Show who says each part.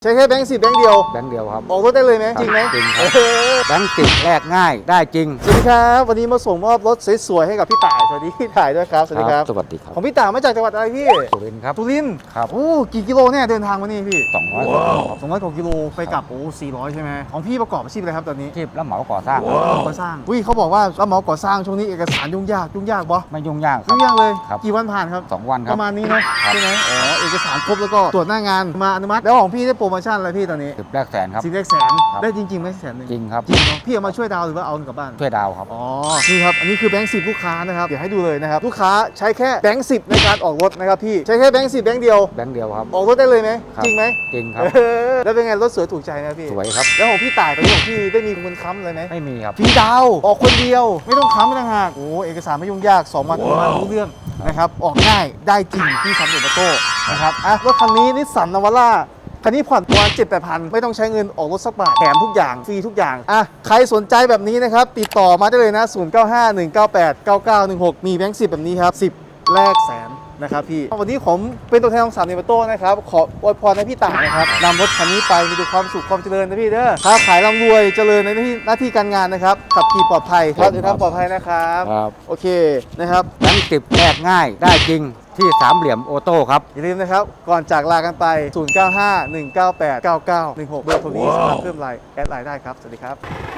Speaker 1: ใช้แค่แบงค์10แบงค์เดียว
Speaker 2: ครับ
Speaker 1: ออกรถได้เลยไหมจริงไหม
Speaker 2: จริงครับแบงค์10แลกง่ายได้จริง
Speaker 1: สวัสดีครับวันนี้มาส่งมอบรถสวยๆให้กับพี่ต่ายสวัสดีพี่ต่ายด้วยครับสวัสดีครับ
Speaker 2: สวัสดีครับ
Speaker 1: ของพี่ต่ายมาจากจังหวัดอะไรพี่
Speaker 2: สุรินทร์ครับ
Speaker 1: สุรินทร์
Speaker 2: ครับ
Speaker 1: โอ้กี่กิโลเนี่ยเดินทางมานี่พี่
Speaker 2: 200กว่าครับ
Speaker 1: 200กว่ากิโลไปกลับโอ้400ใช่ไหมของพี่ประกอบอาชีพอะไรครับตอนนี้
Speaker 2: ที่รับเหมาก่อสร้าง
Speaker 1: ก่อสร้างอุ้ยเขาบอกว่ารับเหมาก่อสร้างช่วงนี้เอกสารยุ่งยากบ่
Speaker 2: ไม่ยุ่งยากครั
Speaker 1: ยุ่
Speaker 2: บ
Speaker 1: งยากเลย
Speaker 2: ครับ
Speaker 1: กี่วันผ่านครับ
Speaker 2: 2 วันค
Speaker 1: ป
Speaker 2: รับ
Speaker 1: ระมาณนี้เนาะใช่ไหมอ๋อเอกสารครบแล้วก็ตรวจหน้างานมาอนุมัติแล้วของพี่ได้โปรโมชั่นอะไรพี่ตอนนี้
Speaker 2: 10แลกแสนครับ
Speaker 1: 10 เลขแสน
Speaker 2: ครับ
Speaker 1: ได้จริงๆไหมแสนหนึ่ง
Speaker 2: จริงครับ
Speaker 1: จริงเนาะพี่เอามาช่วยดาวหรือว่าเอากลับบ้าน
Speaker 2: ช่วยดาวครับ
Speaker 1: อ๋อ นี่ครับ อันนี้คือแบงค์10ลูกค้านะครับ เดี๋ยวให้ดูเลยนะครับ ลูกค้าใช้แค่แบงค์10ในการออกรถนะครับพี่ ใช้แค่แบงค์10แบงค์เดียว
Speaker 2: แบงค์เดียวครับ
Speaker 1: ออกรถได้เลยไหม
Speaker 2: ครับ
Speaker 1: จริงไหม
Speaker 2: จริงครับ
Speaker 1: แล้วเป็นไงรถสวยถูกใจนะพี่
Speaker 2: สวยครับ
Speaker 1: แล้วของพี่ต่ายตอนนี้ของพี่ได้มีคนค้ำเลยไหม
Speaker 2: ไม่มีครับ
Speaker 1: ฟรีดาวน์ออกคนเดียว ไม่ต้องค้ำไม่ต้องหักโอ้เอกสารไม่ยุ่งยาก2 วันรู้เรื่องนะครับ ออกง่ายได้จริงที่สามเหลี่ยมออโต้นะครับอ่ะรถคันนี้นิสสันนาวาร่าคันนี้ผ่อนประมาณ7-8,000ไม่ต้องใช้เงินออกรถสักบาทแถมทุกอย่างฟรีทุกอย่างอ่ะใครสนใจแบบนี้นะครับติดต่อมาได้เลยนะ0951989916มีแบงค์10แบบนี้ครับ10แลกแสนนะครับพี่วันนี้ผมเป็นตัวแทนของสามเหลี่ยมออโต้นะครับขออวยพรให้พี่ต่ายนะครับนำรถคันนี้ไปมีแต่ความสุขความเจริญนะพี่เด้อค้าขายร่ำรวยเจริญในหน้าที่การงานนะครับขับขี่ปลอดภัยครับเดินทางปลอดภัยนะครับ
Speaker 2: ครับ
Speaker 1: โอเคนะครับ
Speaker 2: แบงค์10แลกง่ายได้จริงที่สามเหลี่ยมออโต้ครับ
Speaker 1: อย่าลืมนะครับก่อนจากลากันไป0951989916เบอร์โทรนี้สามารถเพิ่มไลน์แอดไลน์ได้ครับสวัสดีครับ